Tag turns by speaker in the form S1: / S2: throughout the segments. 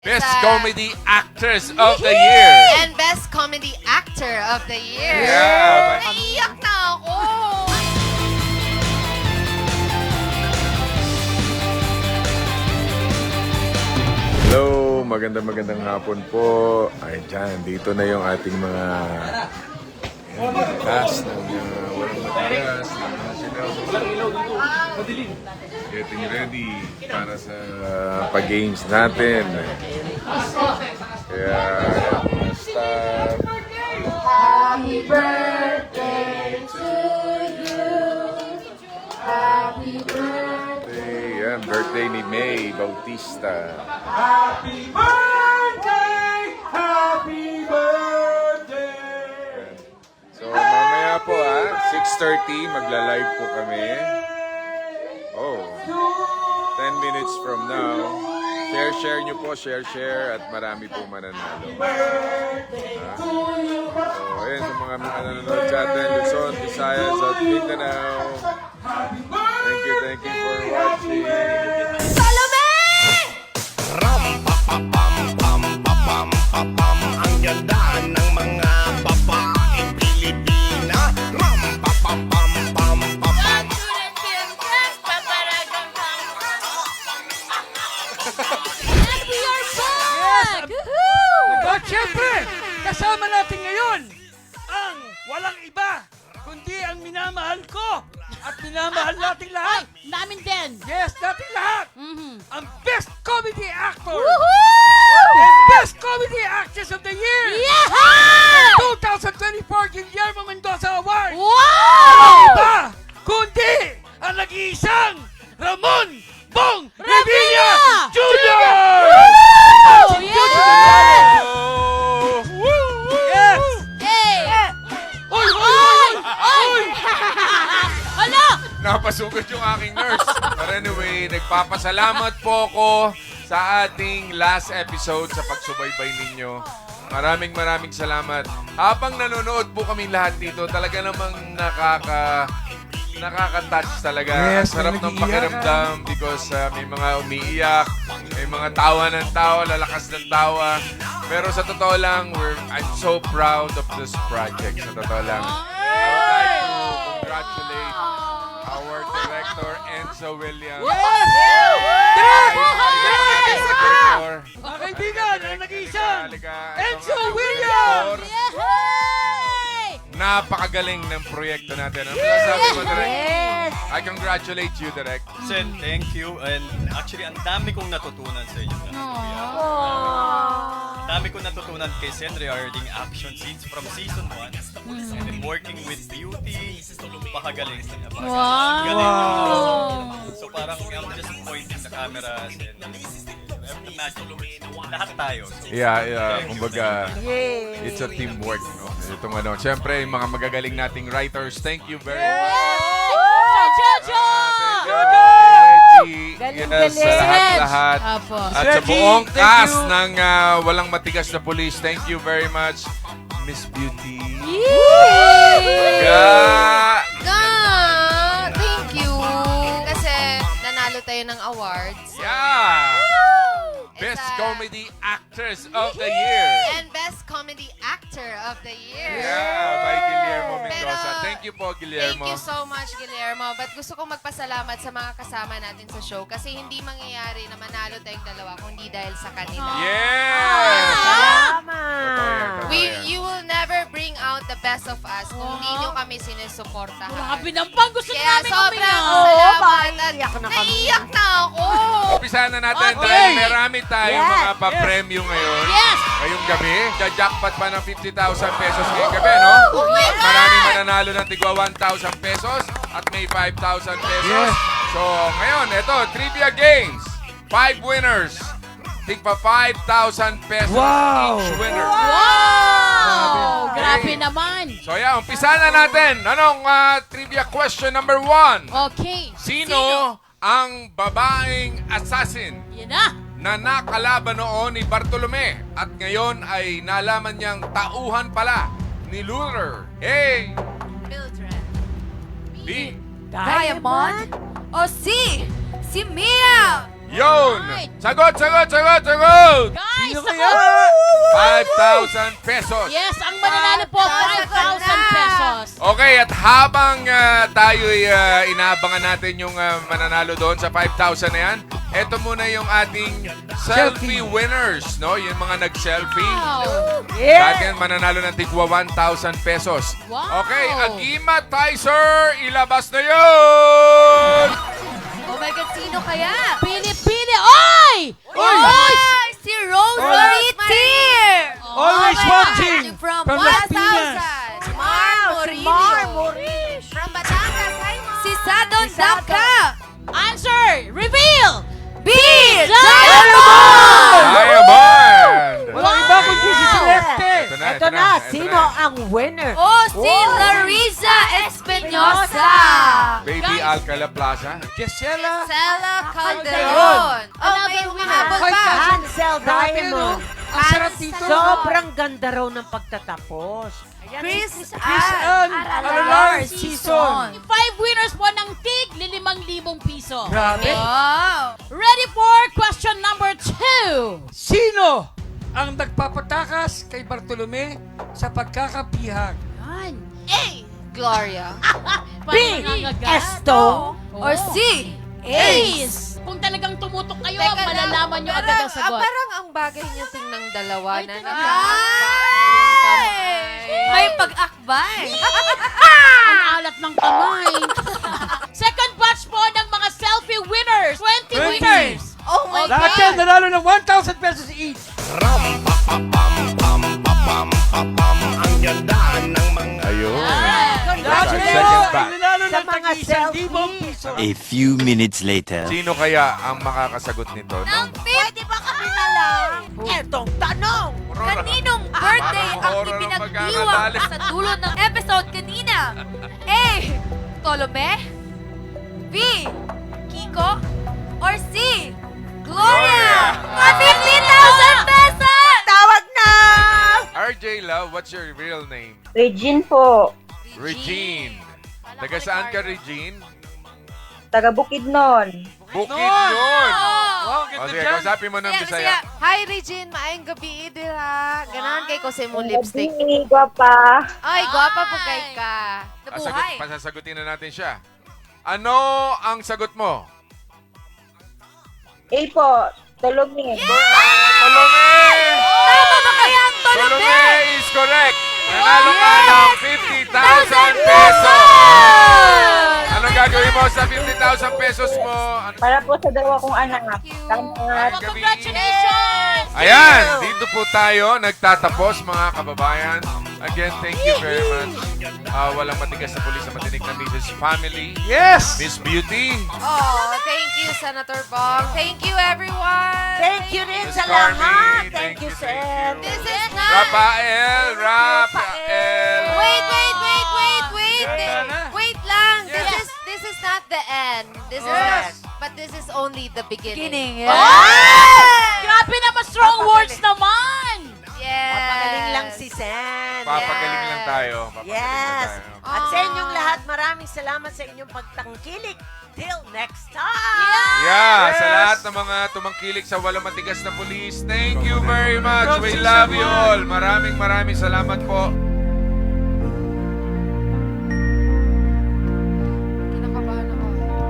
S1: Best Comedy Actress of the Year.
S2: And Best Comedy Actor of the Year.
S1: Yeah.
S2: Naiiyak na ako.
S3: Hello, magandang hapon po. Ay, dyan, dito na yung ating mga cast ng Walang Matigas. Getting ready para sa pag-games natin. Kaya, mga staff.
S4: Happy birthday to you. Happy birthday.
S3: Yan, birthday ni May Bautista.
S4: Happy birthday. Happy birthday.
S3: So, mamaya po 6:30, magla-live po kami. Oh, 10 minutes from now. Share nyo po, share, at marami po mananalo. So, ayun, sa mga nanonood sa atin, Luzon, Visayas, at Mindanao. Thank you for watching.
S2: Salome!
S5: Ang ganda ng mga babaeng Pilipina.
S2: And we are back! Woohoo!
S6: At syempre, kasama natin ngayon ang walang iba, kundi ang minamahal ko at minamahal nating lahat.
S7: Namin din.
S6: Yes, nating lahat. Ang Best Comedy Actor
S7: Woohoo!
S6: and Best Comedy Actress of the Year.
S7: Yeah!
S6: 2024 Guillermo Mendoza Award.
S7: Wow!
S6: Iba, kundi ang nag-iisang Ramon Bong Revilla Jr.
S7: Oh, yes!
S6: Yes!
S7: Hey!
S6: Oy!
S7: Oy! Hala!
S1: Napasugat yung aking nurse. But anyway, nagpapasalamat po ako sa ating last episode sa pagsubaybay ninyo. Maraming salamat. Habang nanonood po kami lahat dito, talaga namang nakaka-touch talaga.
S6: Yes,
S1: Ang sarap
S6: may
S1: ng
S6: nag-iiyak,
S1: pakiramdam because may mga umiiyak, may mga tawa ng tawa, lalakas ng tawa. Pero sa totoo lang, I'm so proud of this project. Sa totoo lang. I would like to congratulate our director, Enzo Williams.
S6: Mga kaibigan, ang nag-iisang
S1: Halika,
S6: Enzo
S1: ito nga,
S6: Williams!
S1: director.
S7: Yay!
S1: Napakagaling ng proyekto natin. Ano masasabi mo, Direk?
S7: Yes!
S1: I congratulate you, Direk.
S8: Sen, thank you. And actually, ang dami kong natutunan sa inyo. Ang dami kong natutunan kay Sen regarding action scenes from season 1. And then working with beauty. Pakagaling.
S7: Wow!
S8: So parang I'm just pointing the cameras and imagine, lahat tayo. So,
S1: Yeah. Kumbaga, it's a teamwork. No? Itong ano, siyempre, yung mga magagaling nating writers, thank you very much.
S7: Jojo!
S1: Reggie,
S7: Galing,
S1: yes, sa
S7: galing.
S1: lahat-lahat.
S7: Apo.
S1: At sa buong cast ng Walang Matigas na Police, thank you very much, Miss Beauty.
S7: Yay!
S2: Thank you. Kasi nanalo tayo ng awards.
S1: Yeah!
S2: It's
S1: Best
S2: a-
S1: Comedy Actress of the Year.
S2: And Best Comedy Actor of the Year.
S1: Yeah, by Guillermo Mendoza.
S2: Pero,
S1: Thank you po, Guillermo.
S2: Thank you so much, Guillermo. But gusto kong magpasalamat sa mga kasama natin sa show kasi hindi mangyayari na manalo tayong dalawa kung hindi dahil sa kanila.
S1: Yes!
S2: You will never bring out the best of us kung hindi nyo kami sinusuportahan.
S7: Grabe naman. Gusto
S2: Kaya
S7: namin
S2: sobrang
S7: umiyak.
S2: salamat. Naiiyak na ako.
S1: Umpisahan na natin
S7: Okay.
S1: dahil marami tayong mga pa-premyo ngayon.
S7: Yes!
S1: Ngayong gabi, jackpot pa ng 50,000 pesos ngayong gabi, no?
S2: Oh my
S1: At marami mananalo ng tigwa 1,000 pesos at may 5,000 pesos. So, ngayon, ito, Trivia Games. 5 winners. Tigpa 5,000 pesos each winner.
S7: Wow! Grabe
S1: Okay.
S7: naman.
S1: So, yeah, umpisahan na natin. Anong trivia question number 1?
S7: Okay.
S1: Sino ang babaeng assassin
S7: Yan na.
S1: na nakalaban noon ni Bartolome at ngayon ay nalaman niyang tauhan pala ni Luther? A.
S2: Mildred.
S1: B.
S4: Diamond? O si Mia?
S1: Yun!
S7: Right.
S1: Sagot!
S7: Guys,
S6: Sino
S7: ako.
S6: kaya?
S1: 5,000 pesos.
S7: Yes, ang mananalo po, 5,000 pesos.
S1: Okay, at habang tayo'y inaabangan natin yung mananalo doon sa 5,000 na yan, eto muna yung ating selfie winners, no? Yung mga nag-selfie.
S7: Wow.
S1: Sa atin, mananalo ng tigwa 1,000 pesos.
S7: Wow.
S1: Okay, Agima Tizer, ilabas na yun!
S2: Oh my God, sino kaya?
S7: Pili-pili. Oy!
S2: Oy! Si Rose Maritir!
S6: Always watching
S2: From
S6: Las
S2: 1,000.
S6: Piñas.
S2: Mar Morillo. From Batangas. Hi, Mar. Si Sadon Dabka.
S7: Answer! Reveal!
S2: B.
S1: Diamond!
S6: Walang iba kundi si Celeste.
S1: Ito na.
S9: Sino ang winner?
S2: Oh, si Larissa Espinosa.
S1: Baby Alcala Plaza.
S6: Gisela.
S2: Stella Calderon. Oh, may humahabol
S6: Hoy,
S2: pa.
S9: Hansel Diamond.
S6: Ang sarap dito.
S9: Sobrang ganda raw ng pagtatapos.
S2: Chris
S6: Ann Alalar season.
S7: 5 winners po ng tig, 5,000 piso.
S6: Grabe.
S2: Wow.
S7: Ready for question number 2.
S6: Sino ang nagpapatakas kay Bartolome sa pagkakapihag?
S7: Yan.
S2: A. Gloria.
S9: B. Esto.
S2: Or C.
S7: Ace. Kung talagang tumutok kayo, malalaman nyo agad ang sagot.
S2: Parang ang bagay niyo tingnan dalawa
S7: Ay,
S2: na
S7: tingnan.
S2: May pag-akbay.
S7: Ang alat ng kamay. Second batch po ng mga selfie winners. 20 winners.
S2: Oh my
S6: Lahat yan nanalo ng 1,000 pesos each.
S5: Ram pa pa pam pam pa pam pa pam. Ang ganda ng mga
S1: Ayun.
S6: Lahat
S1: Second
S6: kayo
S1: batch.
S6: ay nanalo
S9: Sa
S6: ng
S9: mga
S6: tagi
S9: selfie.
S6: 1,000 piso.
S10: A few minutes later.
S1: Sino kaya ang makakasagot nito? No?
S9: Pwede ba kami na lang? Etong tanong.
S2: Kaninong birthday ang
S1: Parang horror ang
S2: ipinagdiwang
S1: pagkakadali.
S2: sa dulo ng episode kanina? A. Tolome? B. Kiko? Or C. Gloria! 50,000 pesos!
S9: Tawag na!
S1: RJ Love, what's your real name?
S11: Regine po,
S1: Regine. Taga saan ka, Regine?
S11: taga Bukidnon.
S1: Bukidnon!
S6: Wow,
S1: O
S6: ganda
S1: sige,
S6: dyan.
S1: kausapin mo ng Bisaya.
S2: Hi, Regine. Maayong gabi, dira. Ganahan kay ko sa imong lipstick.
S11: Gabi, gwapa.
S2: Ay, gwapa po kay ka. Nabuhay.
S1: Pasasagutin na natin siya. Ano ang sagot mo?
S11: A po, Tolome.
S1: Tolome!
S2: Tama ba kaya ang
S1: Tolome is correct. Nanalo ka ng 50,000 pesos. Anong gagawin mo sa 50,000 pesos mo?
S11: Para po sa dalawa kong anak. Salamat.
S7: Congratulations!
S1: Ayan, dito po tayo nagtatapos mga kababayan. Again, thank you very much. Walang matigas na pulis na matinig na Mrs. Family.
S6: Yes!
S1: Miss Beauty.
S2: Oh, thank you, Senator Bong. Thank you, everyone.
S9: Thank you rin
S1: Miss
S9: sa
S1: Carmi,
S9: lahat.
S1: thank
S9: Thank you,
S1: you,
S9: Sen.
S1: thank you.
S2: This is not...
S1: Rafael.
S2: Wait.
S6: Ganda na.
S2: Wait lang.
S1: Yes.
S2: This is not the end. This is
S9: Yes.
S2: not, but this is only the beginning.
S7: Grabe naman, strong words naman!
S2: Yes.
S9: Papagaling lang si Sen.
S1: Papagaling lang tayo. Papagaling
S9: Yes.
S1: lang tayo.
S9: At sa inyong lahat, maraming salamat sa inyong pagtangkilik. Till next time!
S1: Yeah, sa lahat ng mga tumangkilik sa walang matigas na pulis, thank you very much. We love you all. Maraming salamat po.
S2: Kinakabahan ako.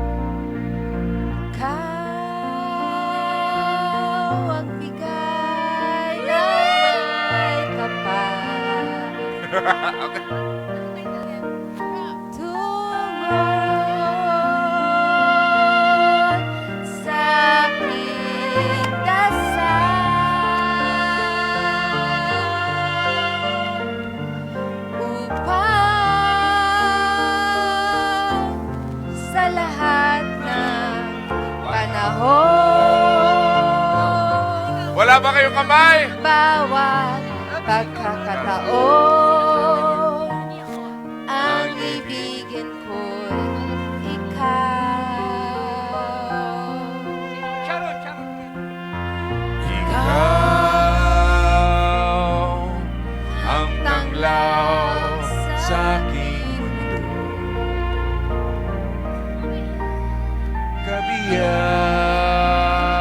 S2: Ikaw ang bigay ng may kapal.
S1: Okay.
S2: Tugon sa aking dasal upang sa lahat ng panahon
S1: Wala ba kayong kamay?
S2: bawat pagkakataon ang ibigin ko'y ikaw.
S6: Sharon.
S1: Ikaw ang tanglaw sa aking mundo. Kabiyak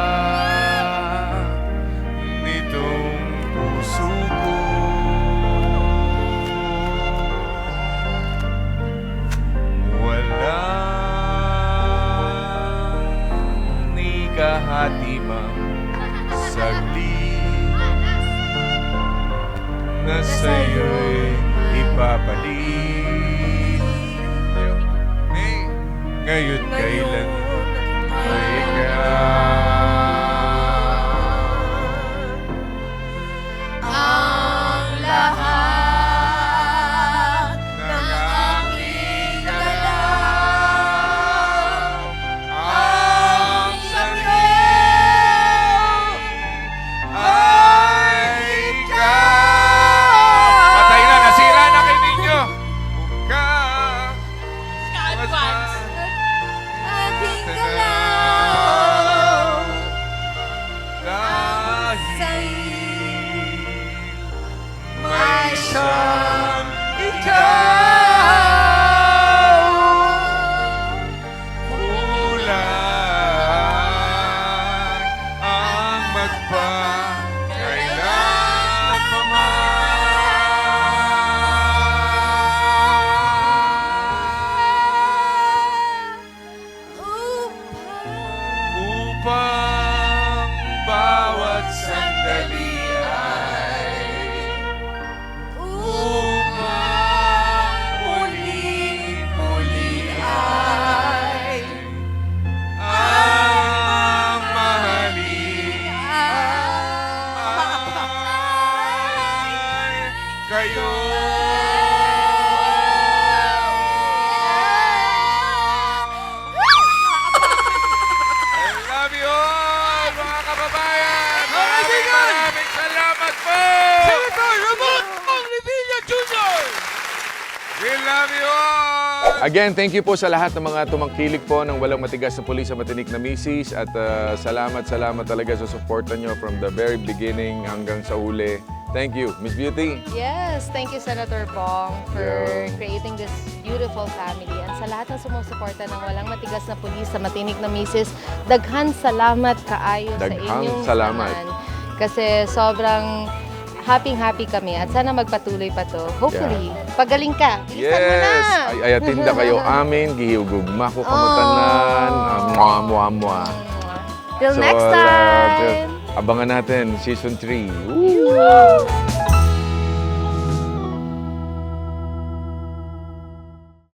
S1: na sa'yo'y ipapalit. Hey, ngayon kailan ay
S2: Ang lahat ng aming galaw, ang sanggol
S1: ay ikaw. Patay na, nasira na kay ninyo. Ka.
S7: Advance.
S2: ating galaw.
S1: Dahil may isang ikaw. Kulang ang magpakailan pa upang bawat sandali ay upang muli-muli ay ang mahalin ay kayo. I love you all, mga kababayan! Maraming salamat po!
S6: Senator Ramon Ong Revilla Jr.
S1: We love you all!
S3: Again, thank you po sa lahat ng mga tumangkilik po ng Walang Matigas na Pulis sa Matinik na Misis. At salamat talaga sa suporta nyo from the very beginning hanggang sa uli. Thank you. Miss Beauty.
S2: Yes, thank you Senator Bong for
S3: Yeah.
S2: creating this beautiful family. And sa lahat ng sumusuporta ng Walang Matigas na Pulis sa Matinik na Misis, daghan salamat kaayo sa
S3: Daghang
S2: inyong
S3: salamat.
S2: samahan. Kasi sobrang happy kami at sana magpatuloy pa to. Hopefully, pagaling ka. Bilisan mo na!
S3: Yes! Ay atinda kayo amin, gihugugma ko kamutanan. Mua.
S2: Till
S3: So,
S2: next time!
S3: abangan natin, Season 3. Woo!